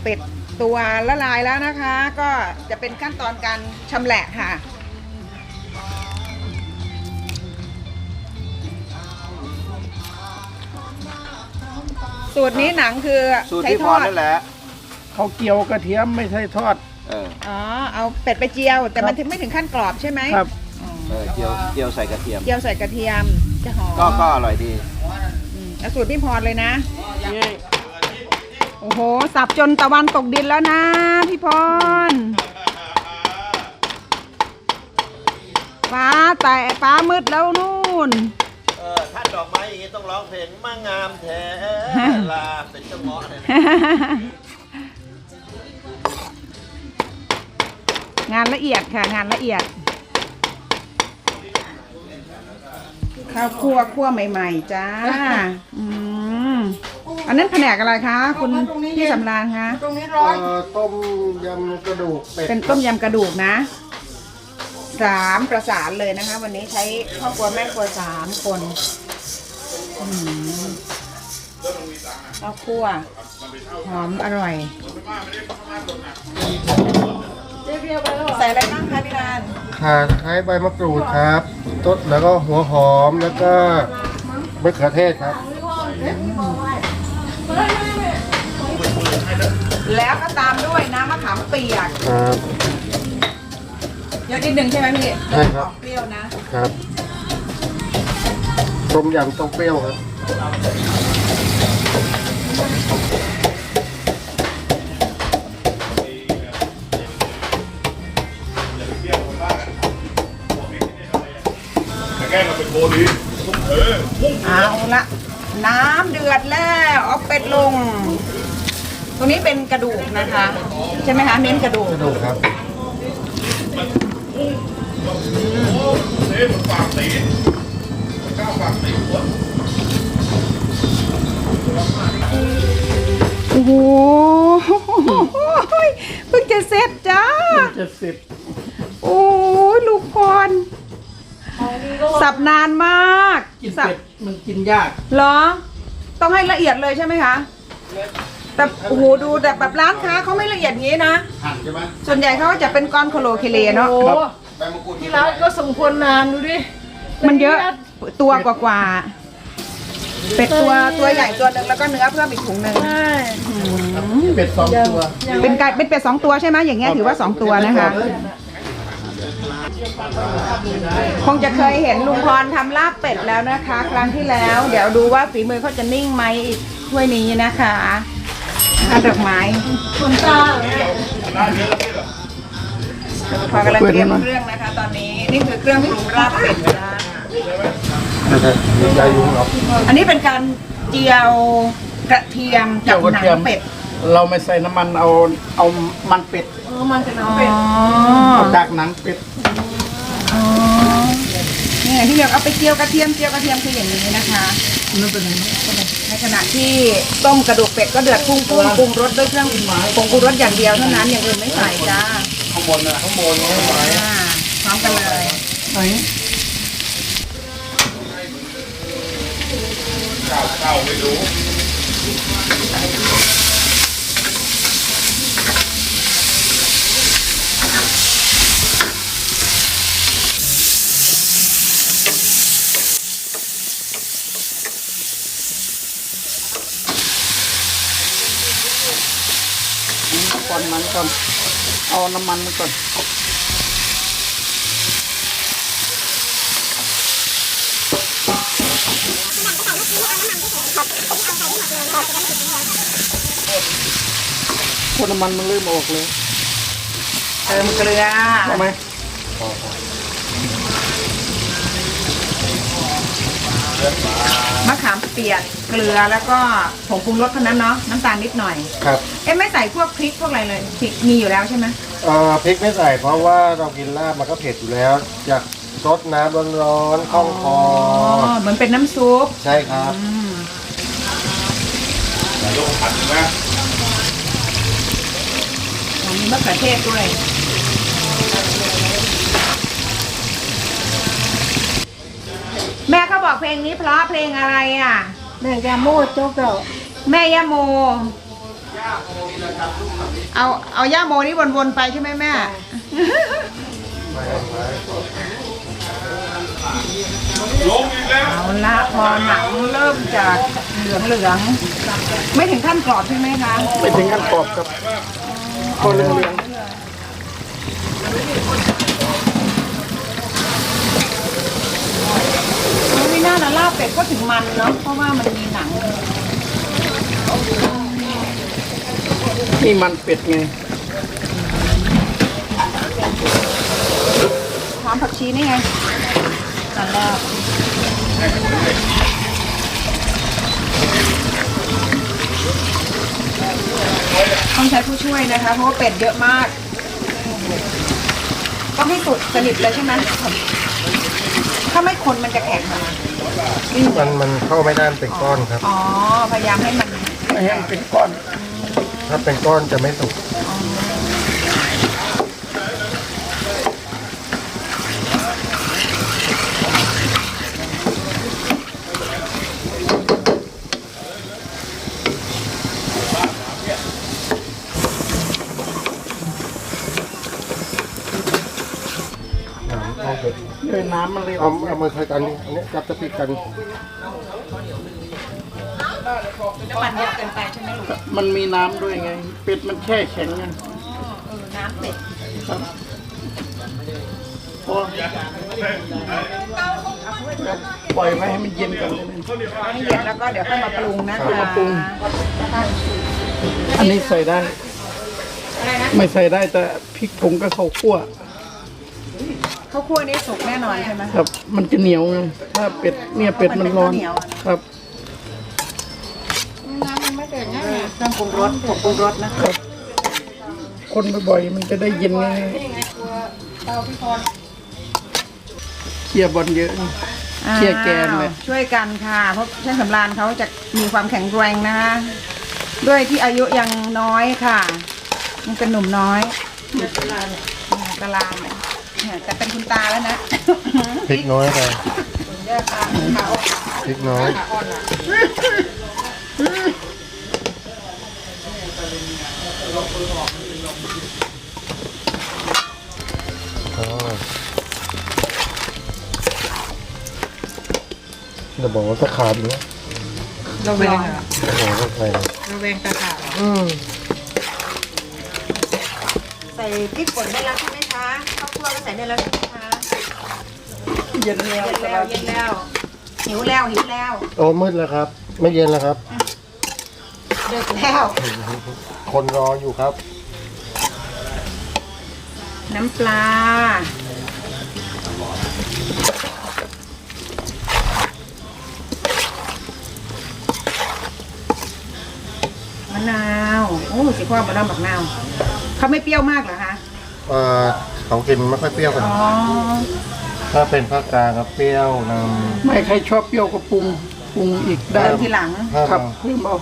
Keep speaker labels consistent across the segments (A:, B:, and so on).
A: เป็ดตัวละลายแล้วนะคะ ก็จะเป็นขั้นตอนการชำแหละค่ะสูตรนี้หนังคือ
B: สูตร
A: ใช้
B: ที่
A: ท
B: พ
A: อ
B: ร
A: ด
B: นั่นแหละ
C: เขาเกี่ยวกระเทียมไม่ใช่ทอด
A: อ๋อเอาเป็ดไปเจียว แต่มันถึงไม่ถึงขั้นกรอบใช่ไหม
C: ครับ
B: เจียวใส่กระเทียม
A: เจียวใส่กระเทียมจะหอม
B: ก็อร่อยดี
A: เอาสูตรพี่พรเลยนะโอ้โหสับจนตะวันตกดินแล้วนะพี่พรฟ้ามืดแล้วนู่น
B: ถ้าดอกไม้อย่างนี้ต้องร้องเพลงมางามแท้ลาเป็นเจ้าเงาะเลย
A: งานละเอียดค่ะงานละเอียดข้าวคั่วใหม่ๆจ้าอันนั้นแผนกอะไรคะคุณพี่สำราญคะ
C: ต้มยำกระดูกเป็ด
A: เป็นต้มยำกระดูกนะ3ประสานเลยนะคะ วันนี้ใช้ครอบครัวแม่ครัว3คนข้าวคั่วหอมอร่อยใส่อะไรบ้างคะพี่ราน
C: ข่าตะไคร้ใบมะกรูดครับต้นแล้วก็หัวหอมแล้วก็มะเขือเทศครับ
A: แล้วก็ตามด้วยน้ำมะขามเปียก
C: ครับ
A: เยอะนิดนึงใช่ไหมพี่
C: ใช่ครับ
A: ออกเปรี้ยวนะครับ
C: ต้มยำต้มเปรี้ยวครับ
A: เอาละน้ำเดือดแล้วเอาเป็ดลง ตรงนี้เป็นกระดูกนะคะ ใช่ไหมคะเน้นกระดูก
C: กระดูกครับ
A: โอ้โหเพิ่งจะเสร็จจ้า
C: 70
A: โอ้ยลูกพรสับนานมาก
C: กิน
A: สับ
C: เป็ดมันกินยาก
A: เหรอ ต้องให้ละเอียดเลยใช่ไหมคะ แต่โอ้โหดูแต่แบบร้านค้าเขาไม่ละเอียดงี้นะ
C: หั่นใช่ไหม
A: ส่วนใหญ่เขาก็จะเป็นก้อนโคโลเคเลเนาะ
C: ใบมะกรูด
D: ที่ร้านก็ส่งคนนานดูดิ
A: มันเยอะตัวกว่าๆเป็ดตัวใหญ่ตัวหนึ่งแล้วก็เนื้อเพิ่มอีกถุงหนึ่ง
D: ใช่
C: เป็ด2 ตัว
A: เป็นเป็ด2 ตัวใช่ไหมอย่างเงี้ยถือว่า2 ตัวนะคะ คงจะเคยเห็นลุงพรทำลาบเป็ดแล้วนะคะ ครั้งที่แล้ว เดี๋ยวดูว่าฝีมือเขาจะนิ่งไหมอีกถ้วยนี้นะคะดอกไม้
D: คนตา
A: พอกำลังเตรียมเครื่องนะคะ ตอนนี้นี่คือเครื่องปรุงลาบเป็ดนะ
C: มีใจยุงหรอ
A: อันนี้เป็นการเจียวกระเทียมกับหนังเป็ด
C: เราไม่ใส่น้ำมันเอามันเป็ด
D: มันจะ
A: อ๋อ
D: น้ำเป็ด
C: เอาจากหนังเป็ด
A: อ๋อนี่ไงที่เรียกเอาไปเจียวกระเทียมคืออย่างนี้นะคะ
C: นั่นเป็นไง
A: ในขณะที่ต้มกระดูกเป็ดก็เดือดพุ่งปรุงรสด้วยเครื่องผงปรุงรสอย่างเดียวเท่านั้นอย่างอื่นไม่ใส่จ้า
C: ข้างบนนะข้างบนข้างบน
A: พร้อมกันเลย
C: ไหน ก่อนมันก่อนเอาน้ำมันมันก่อนพอน้ำมันมันเริ่มออกเลย
A: เติมเกลือ
C: ใช่ไหม
A: มะขามเปียกเกลือแล้วก็ผงปรุงรสเท่านั้นเนาะน้ำตาลนิดหน่อย
C: ครับ
A: ไม่ใส่พวกพริกพวกอะไรเลยพริกมีอยู่แล้วใช่ไหม
C: พริกไม่ใส่เพราะว่าเรากินลาบมันก็เผ็ดอยู่แล้วอยากซดน้ำร้อนๆคล่องคอ
A: เหมือนเป็นน้ำซุป
C: ใช่ครับ
A: มีมะเขือเทศด้วยแม่เขาบอกเพลงนี้เพราะเพลงอะไรอ่ะ
D: แม่ยาโม่โจ๊กเก่า
A: แม่ย่าโมเอาย่าโมนี่วนๆไปใช่ไหมแม่ เอาละพอหนังเริ่มจากเหลืองๆไม่ถึงขั้นกรอบใช่ไหมคะ
C: ไม่ถึงขั้นกรอบครับพอเหลือง
A: ไม่น่าละลาบเป็ดก็ถึงมันเนาะเพราะว่ามันมีหนัง
C: นี่มันเป็ดไง
A: หอมผักชีนี่ไงละลาบต้องใช้ผู้ช่วยนะคะ เพราะว่าเป็ดเยอะมากต้องให้สุดสนิทเลยใช่ไหมถ้าไม่คนมันจะแข็งเหรอ
C: มันเข้าไม่ได้เป็นก้อนครับ
A: อ๋อพยายามให้มัน
C: ไม่ให้มันเป็นก้อน ถ้าเป็นก้อนจะไม่สุก
E: เลยน้ำมันเลย
C: เอามือใช้กันนี่อันนี้จับจะติดกัน
A: น้ำมันเยอะเกินไปใช่ไหมลูก
E: มันมีน้ำด้วยไง เป็ดมันแช่แข็งไง
A: น้ำเป็ด
E: ครับพอปล่อยไว้ให้มันเย็นก่อนเลยนะ
A: ให้เย็นแล้วก็เดี๋ยวค่อยมาปรุงนะคะ
E: มาปรุง อันนี้ใส่ได้
A: อะไรนะ
E: ไม่ใส่ได้แต่พริกผงกับข้าวคั่ว
A: ข้าวคั่วนี่สุกแน่นอนใช่ไหม
E: ครับ มันจะเหนียวไงถ้าเป็ดเนี่ยเป็ดมันร้อน
A: มันเป็นข้าวเหนียวอะ
E: ครับ
A: น้ำมันไม่เดือดง่ายเครื่องปรุงรสผงปรุงรสนะคะ
E: คนบ่อยๆมันจะได้เย็นง่าย
A: เตาพี่พร
E: ๆเคี่ยบอลเยอะนะ เชี่ยแกนเลย
A: ช่วยกันค่ะ เพราะช่างสำราญเขาจะมีความแข็งแรงนะคะด้วยที่อายุยังน้อยค่ะยังเป็นหนุ่มน้อยกะลาเนี่ยแต่เป็นคุณตาแล้วนะ
C: พริกน้อยไป
A: เยอะค่ะขาออก
C: พริกน้อย
A: ขาอ่อนอ่ะ
C: อ๋อจะบอกว่าตะขาบอยู่นะ
A: ระแวง
C: โอ้โหต้องใส่
A: ระแวงตาขาด ใส่พริกป่นได้แล้วใช่ไหมคะข้าวคั่วก็ใส่ได้แล้วใช่ไหมคะ
E: เย็นแล้ว
A: เย็นแล้วหิวแล้ว
C: โอ้มืดแล้วครับ ไม่เย็นแล้วครับ
A: ดึกแล้ว
C: คนรออยู่ครับ
A: น้ำปลา มะนาว โอ้สิพ่อมะนาวบักนาวเขาไม่เปรี้ยวมากเหรอคะ
C: เขากินไม่ค่อยเปรี้ยวกัน
A: อ๋อ
C: ถ้าเป็นภาคกลางครับเปรี้ยวนำ
E: ไม่ใครชอบเปรี้ยวก็ปรุงอีกได้
A: เติมทีหลัง
E: ครับเพิ่มเอา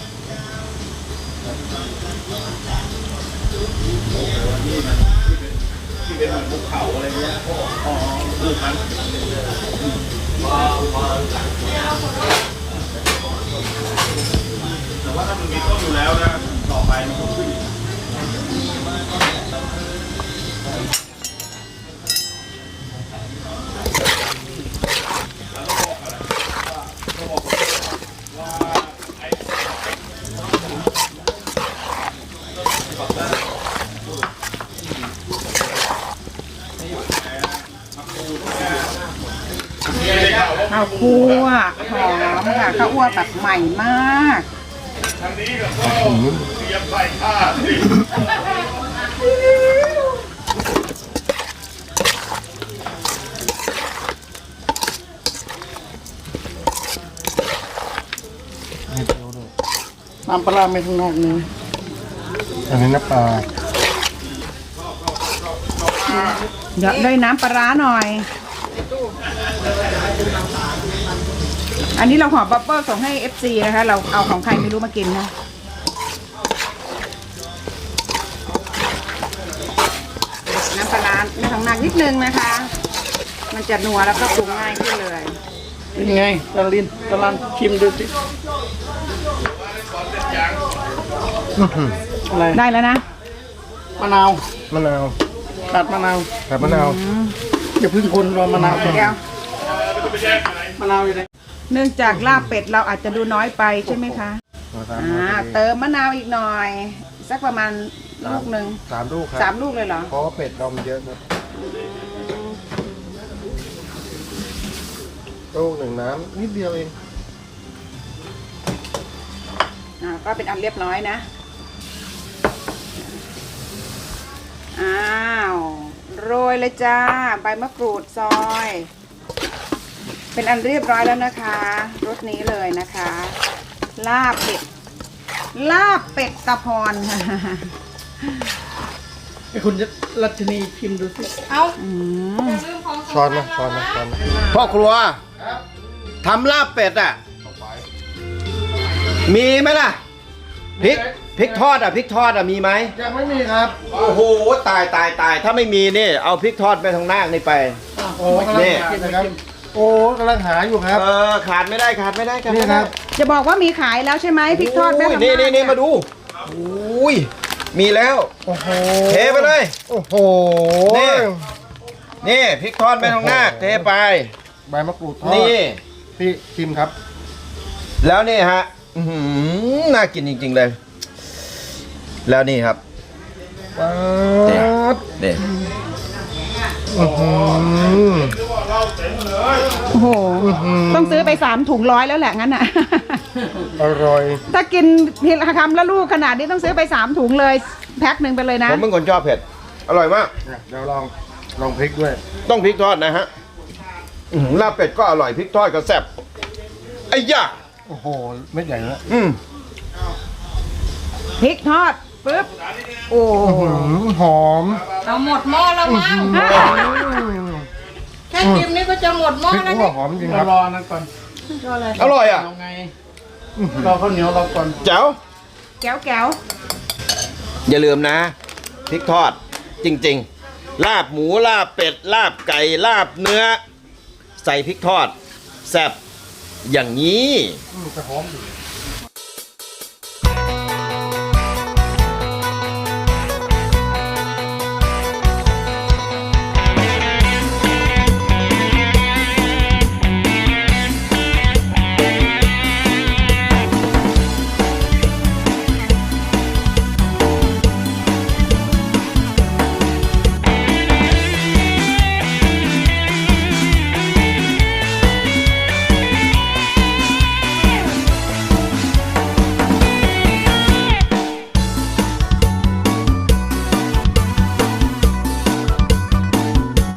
B: แต่ว่าถ้ามันมีต้นอยู่แล้วนะต่อไปมันก็ขึ้น
A: ข้าวคั่วหอมค่ะข้าวคั่วแบบใหม่มาก
B: ทางนี้ก็เตรียมใส่ผ้าสิ
E: น้ำปลาร้าไม่ข้างนอกนี่
C: อันนี้น้ำปลา
A: เดี๋ยวได้น้ำปลาร้าหน่อย อันนี้เราห่อบับเบิ้ลส่งให้ FC นะคะ เราเอาของใครไม่รู้มากินนะ น้ำปลาร้าในทางนางนิดนึงนะคะ มันจะนัวแล้วก็ปรุงง่ายขึ้นเลย
E: เป็นไงตะลันชิมดูสิอะไร
A: ได้แล้วนะ
E: มะนาว
C: มะนาว
E: ตัดมะนาว
C: แต่มะนาว
E: อย่าเพึ่งคนรอมะนาวก่อน
A: แก้ว
E: มะนาวอยู่ไหน
A: เนื่องจากลาบเป็ดเราอาจจะดูน้อยไปใช่ไหมคะ เติมมะนาวอีกหน่อย สักประมาณลูกหนึ่ง
C: 3 ลูกครับ
A: 3 ลูกเลยเหรอ
C: เพราะว่าเป็ดเรามันเยอะครับลูกหนึ่งน้ำนิดเดียวเอง
A: ก็เป็นอันเรียบร้อยนะ อ้าวโรยเลยจ้า ใบมะกรูดซอย เป็นอันเรียบร้อยแล้วนะคะรสนี้เลยนะคะ ลาบเป็ด ลาบเป็ดตะพร
E: ไอ้คุณรัชนีพิมพ์ดูสิ
D: เอา
C: ช้อนมาช้อนมาช้อนมา
B: พ่อครัวทำลาบเป็ดอ่ะ มีไหมล่ะพริกทอดอ่ะพริกทอดอ่ะมีไหม
C: ยังไม่มีครับ
B: โอ้โหตายถ้าไม่มีนี่เอาพริกทอดไปทางหน้านี่ไป
C: โอ้กำลังหานะครับ โอ้กำลังหาอยู่ครับ
B: ขาดไม่ได้ขาดไม่ได้
C: นี่ครับ
A: จะบอกว่ามีขายแล้วใช่ไหมพริกทอดแม่ทำ
B: นี่มาดูอุ้ยมีแล้ว
C: โอ้โห
B: เทไปเลย
C: โอ้โห
B: นี่พริกทอดไปทางหน้าเทไป
C: ใบมะกรูดทอด
B: นี่
C: พี่ชิมครับ
B: แล้วนี่ฮะอื้อหือน่ากินจริงๆเลย แล้วนี่ครับ
C: ป๊าด
B: นี่
C: อื้อหือ
A: โอ้โห ต้องซื้อไป3 ถุง100แล้วแหละงั้นอ่ะ
C: อร่อย
A: ถ้ากินทีละคำละลูกขนาดนี้ต้องซื้อไป3 ถุงเลย แพ็คหนึ่งไปเลยนะ
B: ผมเป็นคนชอบเผ็ด อร่อยมาก
C: เดี๋ยวลองพริกด้วย
B: ต้องพริกทอดนะฮะอื้อหือลาบเป็ดก็อร่อยพริกทอดก็แซ่บไอ้ย่า
C: โอ้โหเม็ดใหญ่แล้ว
A: พริกทอดปึ๊บ โอ้โห
C: หอม
D: เราหมดหม้อแล้วมั้งแค่ชิมนี่ก็จะหมดหม้อ
C: พริก
D: แล้ว
C: หัว
D: นี่
C: หอมจริง
E: เรา
C: ครับ
E: รอนั่นก่อน
B: อร่อยอ่ะ
E: เราไงรอข้าวเหนียวเราก่อน
B: แจ๋ว
A: แก้วแก้ว
B: อย่าลืมนะพริกทอดจริงๆ ลาบหมูลาบเป็ด ลาบไก่ลาบเนื้อ ใส่พริกทอดแซ่บอย่างนี้
C: จะหอมดี